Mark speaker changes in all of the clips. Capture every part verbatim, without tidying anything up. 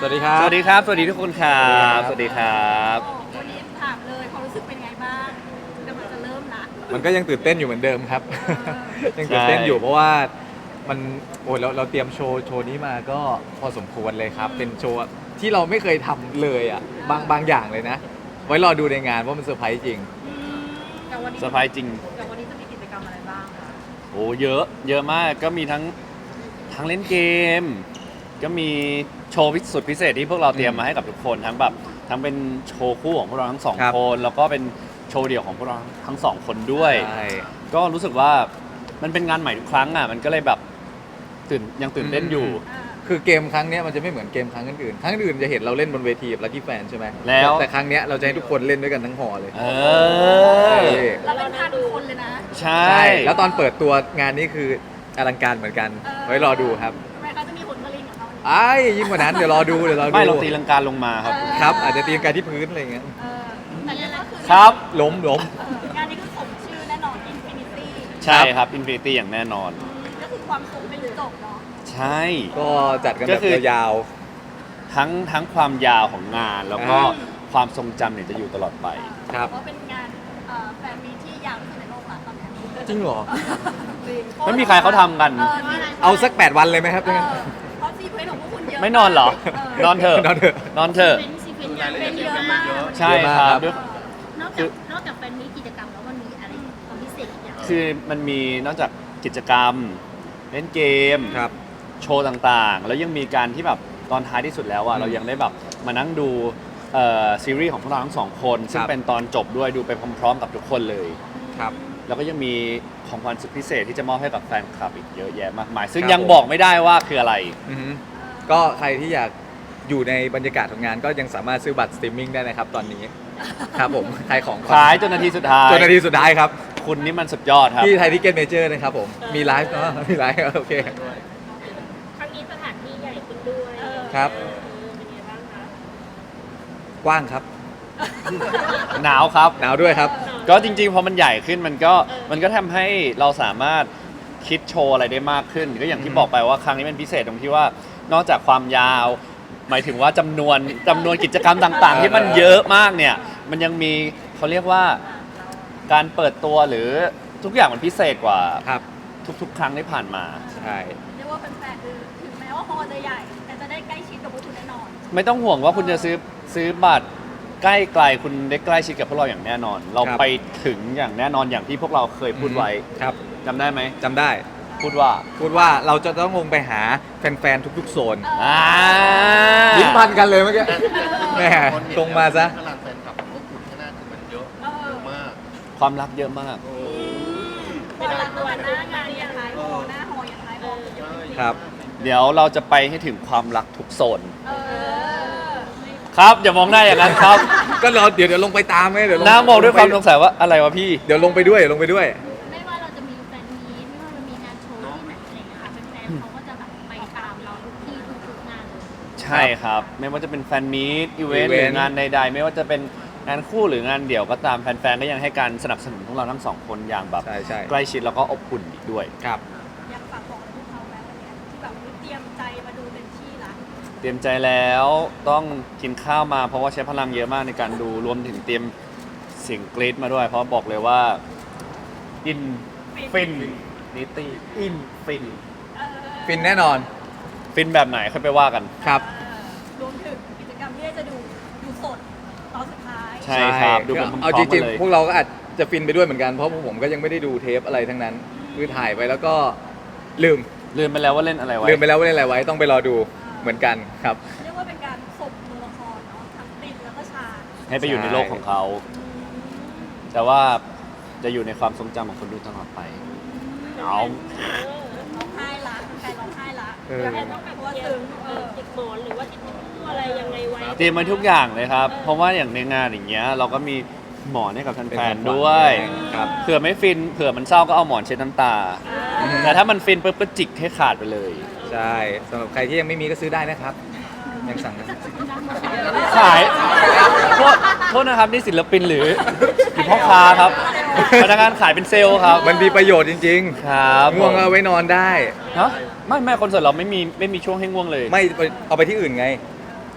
Speaker 1: วัสดีครับ
Speaker 2: สวัสดีครับ สวัสดีทุกคนครับสวัสดีครับ
Speaker 3: วันนี้ถามเลยความรู้สึกเป็นไงบ้างกำลังจะเริ่มละ
Speaker 1: มันก็ยังตื่นเต้นอยู่เหมือนเดิมครับ
Speaker 3: อ
Speaker 1: ยังตื่นเต้นอยู่เพราะว่ามันโอ้ยเราเราเตรียมโชว์โชว์นี้มาก็พอสมควรเลยครับ เป็นโชว์ที่เราไม่เคยทำเลยอ่ะบางบางอย่างเลยนะ ไว้รอดูในงานว่ามันเซอร์ไพรส์จริง
Speaker 3: แต่วันนี้
Speaker 2: เซอร์ไพรส์จริง
Speaker 3: แต่วันนี้จะมีกิจกรรมอะไรบ้างคะ
Speaker 2: โอ้เยอะเยอะมากก็มีทั้งทั้งเล่นเกม ก็มีโชว์พิสุดพิเศษที่พวกเราเตรียมมาให้กับทุกคนทั้งแบบทั้งเป็นโชว์คู่ของพวกเราทั้งสอง
Speaker 1: ครับ
Speaker 2: คนแล้วก็เป็นโชว์เดี่ยวของพวกเราทั้งสองคนด้วย
Speaker 1: ใช่
Speaker 2: ก็รู้สึกว่ามันเป็นงานใหม่ทุกครั้งอ่ะมันก็เลยแบบตื่นยังตื่นเต้นอยู่
Speaker 3: อ่า
Speaker 1: คือเกมครั้งเนี้ยมันจะไม่เหมือนเกมครั้งอื่นๆครั้งอื่นจะเห็นเราเล่นบนเวทีกับลั c กี้แฟนใช่ไหม
Speaker 2: แล้ว
Speaker 1: แต่ครั้งเนี้ยเราจะให้ทุกคนเล่นด้วยกันทั้งหอเลย
Speaker 2: เออ
Speaker 3: เราเป็นพันคนเลยนะ
Speaker 2: ใช่
Speaker 1: ใช่แล้วตอนเปิดตัวงานนี้คืออลังการเหมือนกัน ไว้รอดูครับ
Speaker 3: ทำไมเขาจะมีผลผลิตของเขาเนี่ย
Speaker 1: ไอ้ายยิ่งกว่านั้นเดี๋ยวรอดูเดี๋ยวรอดู
Speaker 2: ไม่เราตีลังการลงมาครับ
Speaker 1: ครับ อาจจะตีลังกาที่พื้นอะไรอย่างเงี้ย
Speaker 3: เออแต่เนี่ยก็คือ
Speaker 2: ครับ
Speaker 1: ล้มล้ม
Speaker 3: เอองานนี้คือสมชื่อแน่นอน Infinity
Speaker 2: ใช่ครับอินฟินิตี้อย่างแน่นอน
Speaker 3: ก็คือความสุขไม่รู้จบเนาะ
Speaker 2: ใช่
Speaker 1: ก็จัดกัน
Speaker 2: ก็
Speaker 1: แบบ
Speaker 2: คือ
Speaker 1: ยาว
Speaker 2: ทั้งทั้งความยาวของงานแล้วก็
Speaker 1: อ่า
Speaker 2: ความทรงจำเนี่ยจะอยู่ตลอดไป
Speaker 1: ครับ
Speaker 3: เพราะเป็นงานเอ่อแฟนมีตที่ยาวที่สุดในโลกละตอนนี้
Speaker 1: ๆจริงเหรอ
Speaker 2: ไม่มีใครเขาทำกัน
Speaker 1: เอาสักแปดวันเลยไหมครับ
Speaker 3: เออเพราะซีเพลของพวกคุณเยอะ
Speaker 2: ไม่นอนเหรอ นอนเถอะ
Speaker 1: นอนเถอะ
Speaker 2: นอนเถอะ
Speaker 4: เป็นซีเควนต์
Speaker 3: เป็นเยอะมาก
Speaker 2: ใช่
Speaker 1: เยอะ
Speaker 2: ค
Speaker 1: มาก
Speaker 2: รับ
Speaker 1: ครับ
Speaker 2: ด้วย
Speaker 4: นอกจากนอกจากแฟนมีตกิจกรรมแล้วมันมีอะไรความพิเศษอีกอย่าง
Speaker 2: คือมันมีนอกจากกิจกรรม เล่นเกม
Speaker 1: ครับ
Speaker 2: โชว์ต่างๆ แล้วยังมีการที่แบบตอนท้ายที่สุดแล้วอ่ะ
Speaker 1: อืม
Speaker 2: เรายังได้แบบมานั่งดูเอ่อซีรีส์ของพวกเราทั้งสองคน ซึ่ง
Speaker 1: ครับ
Speaker 2: เป็นตอนจบด้วยดูไปพร้อมๆ กับทุกคนเลย
Speaker 1: ครับ
Speaker 2: แล้วก็ยังมีของขวัญสุดพิเศษที่จะมอบให้กับแฟนคลับอีกเยอะแยะมากมาย ซึ่ง
Speaker 1: ครับ
Speaker 2: ยัง
Speaker 1: ผม
Speaker 2: บอกไม่ได้ว่าคืออะไร
Speaker 1: อือฮึก็ใครที่อยากอยู่ในบรรยากาศของงานก็ยังสามารถซื้อบัตรสตรีมมิ่งได้นะครับตอนนี้ ครับผมขายของก่อน
Speaker 2: ขายจนนาทีสุดท้าย
Speaker 1: จนนาทีสุดท้ายครับ
Speaker 2: คุณนี่มันสุดยอดครับ
Speaker 1: ที่ไทยทิเก็ตเมเจอร์นะครับผม มีไลฟ์เนาะมีไลฟ์โอเค
Speaker 4: ครั้งนี้สถานที่ใหญ่ขึ้นด้วย
Speaker 1: ครับ
Speaker 4: เออเป็นไงบ้างคะ
Speaker 1: กว้างครับ
Speaker 2: หนาวครับ
Speaker 1: หนาวด้วยครับ
Speaker 2: ก็จริงๆพอมันใหญ่ขึ้นมันก็มันก็ทำให้เราสามารถคิดโชว์อะไรได้มากขึ้น ก็อย่างที่
Speaker 1: อืม
Speaker 2: บอกไปว่าครั้งนี้เป็นพิเศษตรงที่ว่านอกจากความยาว หมายถึงว่าจำนวนจำนวนกิจกรรมต่างๆ ที่มันเยอะมากเนี่ยมันยังมีเขาเรียกว่าการเปิดตัวหรือทุกอย่างมันพิเศษกว่า
Speaker 1: ครับ
Speaker 2: ทุกๆ ครั้งที่ผ่านมา
Speaker 1: ใช่
Speaker 3: เรียกว่าแฟนๆคือถึงแม้ว่าฮอลล์จะใหญ่ แต่จะได้ใกล้ชิดกับพวกคุณแน่นอน
Speaker 2: ไม่ต้องห่วงว่าคุณจะซื้อซื้อบัตรใกล้ไกลคุณได้ใกล้ชิดกับพวกเราอย่างแน่นอน เรา
Speaker 1: ครับ
Speaker 2: ไปถึงอย่างแน่นอนอย่างที่พวกเราเคยพูดไว้
Speaker 1: ครับ
Speaker 2: จำได้ไหม
Speaker 1: จำได้
Speaker 2: พูดว่า
Speaker 1: พูดว่าเราจะต้องลงไปหาแฟนๆ ทุกๆ โซน
Speaker 2: อ่า
Speaker 1: ลิ้นพันกันเลยเมื่อกี้แหมตรงมาซะ
Speaker 5: พลังแฟนคลับของพวกคุณที่น่าจะมันเยอะ
Speaker 3: เออ
Speaker 5: มาก
Speaker 2: ความรักเยอะมาก
Speaker 3: วันหลังวันหน้างานยังไงฮอลล์หน้าฮอลล์ยังไงฮอลล์เยอะจริงๆ
Speaker 1: ครับ
Speaker 2: เดี๋ยวเราจะไปให้ถึงความรักทุกโซน
Speaker 3: เออ
Speaker 2: ครับอย่ามองหน้าอย่างนั้นครับ
Speaker 1: ก็รอเดี๋ยวเดี๋ยวลงไปตามไงเดี๋ยวลง
Speaker 2: หน้ามองด้วยความสงสัยว่าอะไรวะพี่
Speaker 1: เดี๋ยวลงไปด้วยลงไปด้วย
Speaker 4: ไม่ว่าเราจะมีแฟนมีตไม่ว่าเรามีงานโชว์ที่ไหนอะไรอย่างเงี้ยค่ะแฟนๆเขาก็จะแบบไปตามเราทุกที่ทุกๆงานเลย
Speaker 2: ใช่ครับ ไม่ว่าจะเป็นแฟนมีตอีเวนต์ห
Speaker 1: อี
Speaker 2: รื
Speaker 1: เวนต์
Speaker 2: องานใดๆ ไม่ว่าจะเป็นงานคู่หรืองานเดี่ยวก็ตามแฟนๆก็ยังให้การสนับสนุนพวกเราทั้งสองคนอย่างแบบ
Speaker 1: ใช่ใช่
Speaker 2: ใกล้ชิดแล้วก็อบอุ่นอีกด้วย
Speaker 1: ครับ
Speaker 3: อยากฝากบอกพวกเขาไหมวันเนี้ยที่แบบเตรียมใจมาดูเต็มที่ละ
Speaker 2: เตรียมใจแล้วต้องกินข้าวมาเพราะว่าใช้พลังเยอะมากในการดูรวมถึงเตรียมเสียงกรี๊ดมาด้วย เพราะบอกเลยว่าอินฟินนิตี้อินฟิน
Speaker 3: เออ
Speaker 1: ฟินแน่นอน
Speaker 2: ฟินแบบไหนค่อยไปว่ากัน
Speaker 1: ครับ
Speaker 3: เออรวมถึงกิจกรรมที่จะดูดูสดตอนสุดท้าย
Speaker 2: ใช่ครับดูไปพร้อมๆ
Speaker 1: เอาจริง
Speaker 2: กันเลย
Speaker 1: ๆ พวกเราก็อาจจะฟินไปด้วยเหมือนกัน เพราะพวกผมก็ยังไม่ได้ดูเทปอะไรทั้งนั้น คือถ่ายไปแล้วก็ลืม
Speaker 2: ลืมไปแล้วว่าเล่นอะไรไว้
Speaker 1: ลืมไปแล้วว่าเล่นอะไรไว้ ต้องไปรอดูเหมือนกันครับ
Speaker 3: เรียกว่าเป็นการส่งตัวละครเนาะทั้งตินแล้วก็ชาญ
Speaker 2: ให้ไปอยู่ในโลกของเขา แต่ว่าจะอยู่ในความทรงจำของคนดูตลอดไป เอา
Speaker 3: ร้องไห้ละใครร้องไห้ละ
Speaker 1: เออ
Speaker 3: อยากให้ต้องแบบว่าซึ้งเออ
Speaker 4: ติดหมอนหรือว่าติดอะไรยังไงไว้
Speaker 2: เตรียมมาทุกอย่างเลยครับ เพราะว่าอย่างในงานอย่างเงี้ยเราก็มีหมอนให้กับ
Speaker 1: เป็น
Speaker 2: แฟ
Speaker 1: ขอน งขวัญ
Speaker 2: ๆด้วย
Speaker 1: ครับ
Speaker 2: เผื่อไม่ฟิน เผื่อมันเศร้าก็เอาหมอนเช็ดน้ำตา แต่ถ้ามันฟินปุ๊บก็จิกให้ขาดไปเลย
Speaker 1: ใช่สำหรับใครที่ยังไม่มีก็ซื้อได้นะครับ ยังสั่งได้
Speaker 2: ขายโทษโทษนะครับนี่ศิลปินหรือหรือพ่อค้าครับพนักงานขายเป็นเซลล์ครับ
Speaker 1: มันมีประโยชน์จริง
Speaker 2: ครับ
Speaker 1: ๆ ง่วงก็เอาไว้นอนได้
Speaker 2: ฮะไม่ไม่คอนเสิร์ตเราไม่มีไม่มีช่วงให้ง่วงเลย
Speaker 1: ไม่เอาไปที่อื่นไง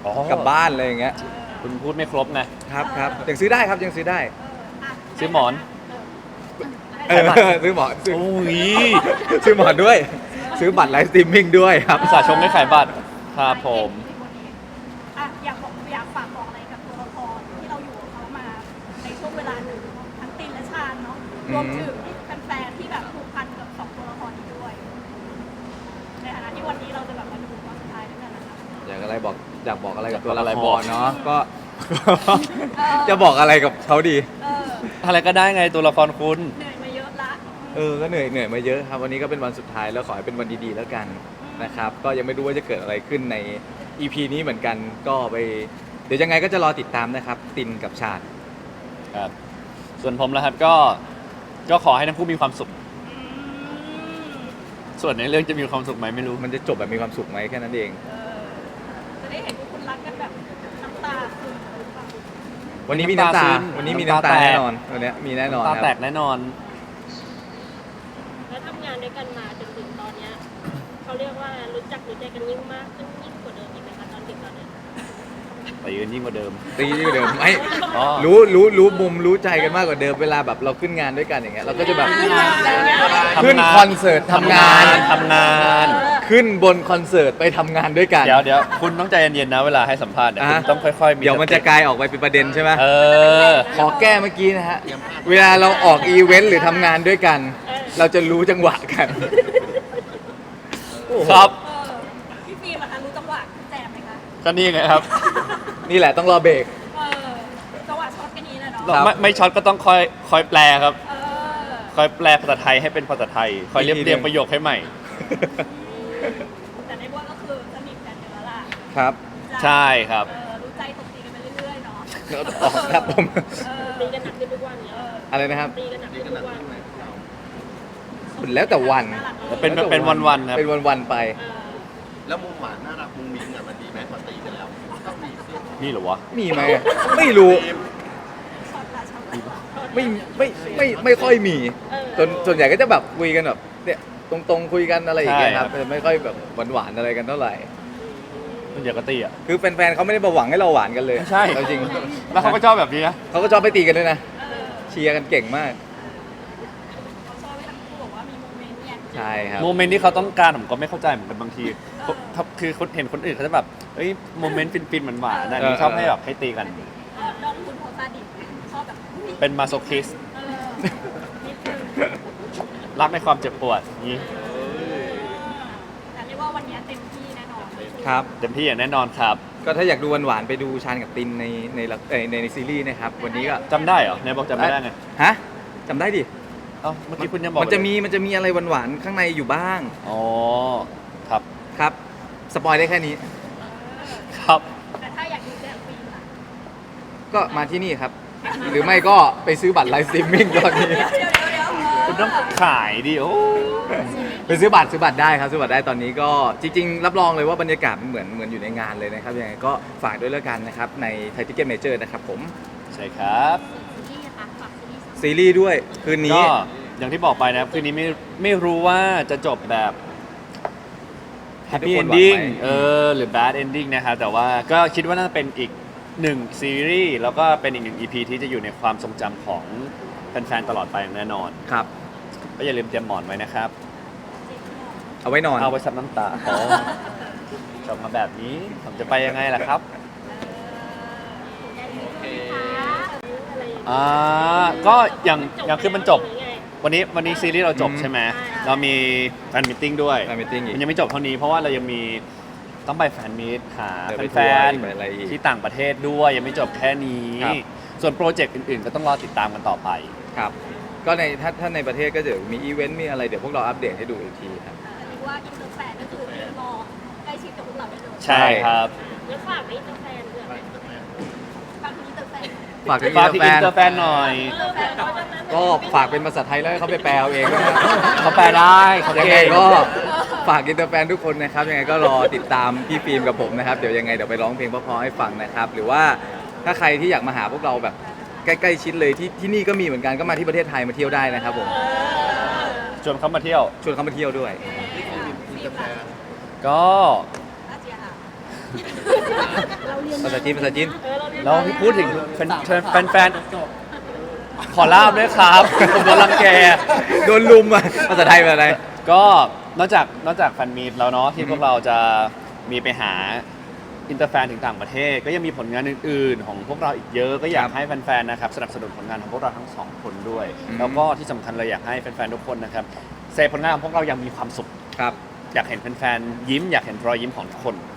Speaker 2: อ๋อก
Speaker 1: ลับบ้านอะไรอย่างเงี้ย
Speaker 2: คุณพูดไม่ครบไง
Speaker 1: ครับครับยังซื้อได้ครับยังซื้อได้
Speaker 2: ซื้อหมอน
Speaker 1: เออซื้อหมอนซื้อ
Speaker 2: โอ้ย
Speaker 1: ซื้อหมอนด้วย ซื้อบัตรไลฟ์สตรีมมิ่งด้วยครับ
Speaker 2: อุตส่าห์ชมไม่ขายบัตรครับผม
Speaker 3: อ่ะอยากบอกอยากฝากบอกอะไรกับตัวละครที่เราอยู่กับเขามาในช่วงเวลาหนึ่งทั้งตินและชาญเนาะรวมถึงแฟนๆที่แบบผูกพันกับสองตัวละครนี้ด้วย ในฐานะที่วันนี้เราจะแบบมาดูตอนสุดท้ายด้วยกันนะคะ
Speaker 1: อยากอะไรบอกอยากบอกอะไรกับตัว
Speaker 2: อยากบอกอะไร
Speaker 1: ละค
Speaker 2: บอก
Speaker 1: รเนาะก็ จะบอกอะไรกับเขาดี
Speaker 3: เออ
Speaker 2: อะไรก็ได้ไงตัวละครคุณ
Speaker 3: เหนื่อยมาเยอะละ
Speaker 1: เออก็เหนื่อยเหนื่อยมาเยอะครับวันนี้ก็เป็นวันสุดท้ายแล้วขอให้เป็นวันดีๆแล้วกันนะครับ ก็ยังไม่รู้ว่าจะเกิดอะไรขึ้นใน อี พี นี้เหมือนกันก็ไปเดี๋ยวยังไงก็จะรอติดตามนะครับ ตินกับชาติ
Speaker 2: ครับ ส่วนผมแล้วครับก็ ก็ขอให้ทั้งคู่มีความสุข
Speaker 3: อืม
Speaker 2: ส่วนในเรื่องจะมีความสุขไหมไม่รู้
Speaker 1: มันจะจบแบบมีความสุขไหมแค่นั้นเอง
Speaker 3: เออจะได้เห็นพวกคุณรักกันแบบน้ำตาซึมหรือเปล่า
Speaker 1: วันนี้มีน้ำตา
Speaker 2: น้ำตาซึม
Speaker 1: วันนี้มี
Speaker 2: น้ำ
Speaker 1: น้ำ
Speaker 2: ตา
Speaker 1: ตา
Speaker 2: แตก
Speaker 1: แน่นอนวันนี้มีแน่นอน
Speaker 2: ตา
Speaker 1: ครับ
Speaker 2: แตกแน่นอน
Speaker 4: แล้วทำงานด้วยกันมาจนถึงตอนเนี้ยเขาเรียกว่ารู้จักรู้ใจกันยิ่งมากขึ้นยิ่งกว่าเดิมอีกไหมคะตอนถึงตอนนี้
Speaker 2: ไปยืนยิ่งกว่าเดิม
Speaker 1: ตียิ่งกว่าเดิมไม่
Speaker 2: อ๋อ
Speaker 1: รู้รู้รู้มุมรู้ใจกันมากกว่าเดิมเวลาแบบเราขึ้นงานด้วยกันอย่างเงี้ยเราก็จะแบบ ขึ้นคอนเสิร์ตทำงาน
Speaker 2: ทำงาน
Speaker 1: ขึ้นบนคอนเสิร์ตไปทำงานด้วยกัน
Speaker 2: เดี๋ยวเดี๋ยวคุณต้องใจเย็นๆนะเวลาให้สัมภาษณ์เนี่ย
Speaker 1: อ่ะ
Speaker 2: คุณต้องค่อยๆมี
Speaker 1: เดี๋ยวมันจะกลายออกไปเป็นประเด็นใช่ไหม
Speaker 2: เออ
Speaker 1: ขอแก้เมื่อกี้นะฮะ เวลาเราออกอีเวนต์หรือทำงานด้วยกัน เราจะรู้จังหวะกัน
Speaker 2: ครับ
Speaker 3: เออพี่ฟิล์มอะคะรู้จังหวะคุณแจมไหมคะ
Speaker 2: ก็นี่ไงครับ
Speaker 1: นี่แหละต้องรอเบรก
Speaker 3: เออจังหวะช็อตกันนี้แหละเนาะ
Speaker 1: ครับ
Speaker 2: ไม่ไม่ช็อตก็ต้องคอยคอยแปลครับ
Speaker 3: เออ
Speaker 2: คอยแปลภาษาไทยให้เป็นภาษาไทย คอยเรียบเรียงประโยคให้ใหม่
Speaker 3: แต่ในว่าก็คือสนิทกันอยู่แล้วล่ะ
Speaker 1: ครับ
Speaker 2: ใช่ครับ
Speaker 3: เออรู้ใจตกตีกันไปเรื่อยๆเนาะ
Speaker 1: ออกครับผม
Speaker 3: เออ
Speaker 4: ตีกันหนักขึ้นทุกวันเนี่ย
Speaker 1: อะไรนะครับ
Speaker 4: ตีกันหนักขึ้นทุกวัน
Speaker 1: แล้วแต่วัน
Speaker 2: เป็นเป็นวันๆครับ
Speaker 1: เป็นวันๆไป
Speaker 3: เออ
Speaker 5: แล้วมุมหวานน่ารักมุมมิ้งอ่ะมันดีไหมพอตีกันแล้วต้องมีสิ
Speaker 2: นี่เหรอวะ
Speaker 1: มีไหมอะไม่รู้
Speaker 3: ช็อตละช็อตละ
Speaker 1: ไม่ไม่ไม่ไม่ค่อยมีส่วนส่วนใหญ่ก็จะแบบคุยกันแบบเนี่ยตรงๆคุยกันอะไรอย่างเงี้ยครับ
Speaker 2: ใช่ครับ
Speaker 1: ไม่ค่อยแบบหวานๆอะไรกันเท่าไหร่
Speaker 2: มันอย่ากระตีอ่ะ
Speaker 1: คือแฟนๆเขาไม่ได้มาหวังให้เราหวานกันเลย
Speaker 2: ใช่
Speaker 1: เอาจริง
Speaker 2: แล้วเขาก็ชอบแบบนี้นะ
Speaker 1: เขาก็ชอบไปตีกันด้วยนะเชียร์กันเก่งมาก
Speaker 3: เขาชอบให้ทั้งคู่บอกว่ามีโมเมนต์เนี่ย
Speaker 1: ใช่ครับ
Speaker 2: โมเมนต์ที่เขาต้องการผมก็ไม่เข้าใจเหมือนกันบางทีเขาคือคนเห็นคนอื่นเขาจะแบบเอ้ยโมเมนต์ฟินๆมันหวานๆนะนี่ชอบให้แบบให้ตีกัน
Speaker 3: น้องคุณโพสต์ซาดิสชอบแบบอุ๊ย
Speaker 2: เป็นมาโซคิส
Speaker 3: เออนิดนึง
Speaker 2: รักในความเจ็บปวดอย่างนี้
Speaker 3: แต่เรียกว่าวันนี้เต็มที่แน่นอน
Speaker 1: ครับ
Speaker 2: เต็มที่อย่างแน่นอนครับ
Speaker 1: ก็ถ้าอยากดูหวานๆไปดูชานกับตินในในละเอ่อในในซีรีส์นะครับ วันนี้ก็
Speaker 2: จำได้เหรอในบอกจำไม่ได้ไง
Speaker 1: ฮะจำได้ดิ
Speaker 2: เอ้าเมื่อกี้คุณยังบอก
Speaker 1: มันจะมีมันจะมีอะไรหวานๆข้างในอยู่บ้าง
Speaker 2: อ๋อครับ
Speaker 1: ครับ สปอยได้แค่นี้
Speaker 2: ครับ
Speaker 3: แต่ถ้าอยากดูแจมฟิล์มล่ะ
Speaker 1: ก็มาที่นี่ครับ หรือไม่ก็ไปซื้อบัตรไลฟ์สตรีมมิ่งตอนนี้
Speaker 3: เดี๋ยวเดี๋ยวเดี๋ยวเออ
Speaker 2: คุณต้องขายดิโอ้
Speaker 1: ไปซื้อบัตรซื้อบัตรได้ครับซื้อบัตรได้ตอนนี้ก็จริงๆ รับรองเลยว่าบรรยากาศมันเหมือนเหมือนอยู่ในงานเลยนะครับยังไงก็ฝากด้วยแล้วกันนะครับในไทยทิเก็ตเมเจอร์นะครับผม
Speaker 2: ใช่ครับ
Speaker 4: ซีรีส์นะคะฝากซีรีส์
Speaker 1: ซีรีส์ด้วยคืนนี้
Speaker 2: ก็อย่างที่บอกไปนะครับคืนนี้ไม่ไม่รู้ว่าจะจบแบบ
Speaker 1: ที่ทุ
Speaker 2: Happy
Speaker 1: กคนหวัง
Speaker 2: Ending
Speaker 1: ไว้
Speaker 2: เออหรือ Bad Ending นะครับแต่ว่าก็คิดว่าน่าจะเป็นอีกหนึ่งซีรีส์แล้วก็เป็นอีกหนึ่ง อี พี ที่จะอยู่ในความทรงจำของแฟนๆตลอดไปอย่างแน่นอน
Speaker 1: ครับ
Speaker 2: ก็อย่าลืมเตรียมหมอนไว้นะครับ
Speaker 1: เอาไว้นอน
Speaker 2: เอาไว้ซับน้ำตาโอ้จบมาแบบนี้ผมจะไปยังไงล่ะครับ อ่าก็อย่างอย่างคือมันจบ วันนี้วันนี้ซีรีส์เราจบ
Speaker 1: อืม
Speaker 2: ใช่ไหมเรามีแฟนมิทติ้งด้วย
Speaker 1: แฟนมีตติ้งอีก
Speaker 2: มันยังไม่จบเท่านี้เพราะว่าเรายังมีต้องไปแฟนมีตหา
Speaker 1: เดี๋ยวไป
Speaker 2: แฟน
Speaker 1: ทัวร์อีกไปอะไรอีก
Speaker 2: ๆที่ต่างประเทศด้วยยังไม่จบแค่นี้
Speaker 1: ครับ
Speaker 2: ส่วนโปรเจกต์อื่นๆ ก็ต้องรอติดตามกันต่อไป
Speaker 1: ครับ ก็ในถ้าถ้าในประเทศก็จะมีอีเวนต์มีอะไรเดี๋ยวพวกเราอัปเดตให้ดูอีกทีครับ
Speaker 3: เรียกว่าอินเตอร์แฟนก็คือรอใกล้ชิดกับพวกเราได้เลย
Speaker 2: ใช่ครับ
Speaker 4: แล้วฝากไว้อินเตอร์แฟนด้วย
Speaker 3: บางทีอินเตอร์แฟน
Speaker 1: ฝากถึง
Speaker 2: ฝาก
Speaker 1: อิ
Speaker 2: ที่
Speaker 1: น
Speaker 2: อิน
Speaker 1: เต
Speaker 2: เต
Speaker 1: อ
Speaker 2: อ
Speaker 1: ร์
Speaker 2: ร์
Speaker 1: แฟ
Speaker 2: แฟ
Speaker 1: น
Speaker 2: นหน่อย
Speaker 3: อินเตอร์แฟนเขาจะนั้น
Speaker 1: ก็ฝากเป็นภาษาไทยแล้วให้เขาไปแปลเอาเองด้วยนะ
Speaker 2: เขาแปลได้เขา
Speaker 1: ยัง
Speaker 2: เก่
Speaker 1: ไง
Speaker 2: ง
Speaker 1: ก็ฝากอินเตอร์แฟนทุกคนนะครับยังไงก็รอติดตามพี่ฟิล์มกับผมนะครับเดี๋ยวยังไงเดี๋ยวไปร้องเพลงเพราะๆให้ฟังนะครับ หรือว่าถ้าใครที่อยากมาหาพวกเราแบบใกล้ๆชิดเลยที่ที่นี่ก็มีเหมือนกันก็มาที่ประเทศไทยมาเที่ยวได้นะครับผม
Speaker 2: ชวนเขามาเที่ยว
Speaker 1: ชวนเขามาเที่ยวด้วย
Speaker 3: ฟิล์มล่ะ
Speaker 2: ก็
Speaker 3: อาเจียค่ะเราเรียน
Speaker 1: ภาษาจีนภาษาจีน
Speaker 3: เออเราเรียน
Speaker 2: แล้วพี่พูดถึงแฟนแฟนแฟนขอลาบด้วยครับผมโดนรังแก
Speaker 1: โดนลุมอ่ะภาษาไทยเป็นอะไร
Speaker 2: ก็นอกจากนอกจากแฟนมีตแล้วเนาะที่พวกเราจะมีไปหาอินเตอร์แฟนถึงต่างประเทศ ก็ยังมีผลงานอื่นๆ ของพวกเราอีกเยอะก็อยาก
Speaker 1: ครับ
Speaker 2: ให้แฟนๆนะครับสนับสนุนผลงานของพวกเราทั้งสองคนด้วย
Speaker 1: อืม
Speaker 2: แล้วก็ที่สำคัญเลยอยากให้แฟนๆทุกคนนะครับเซฟผลงานของพวกเรายังมีความสุข
Speaker 1: ครับ
Speaker 2: อยากเห็นแฟนๆยิ้มอยากเห็นรอยยิ้มของทุกคน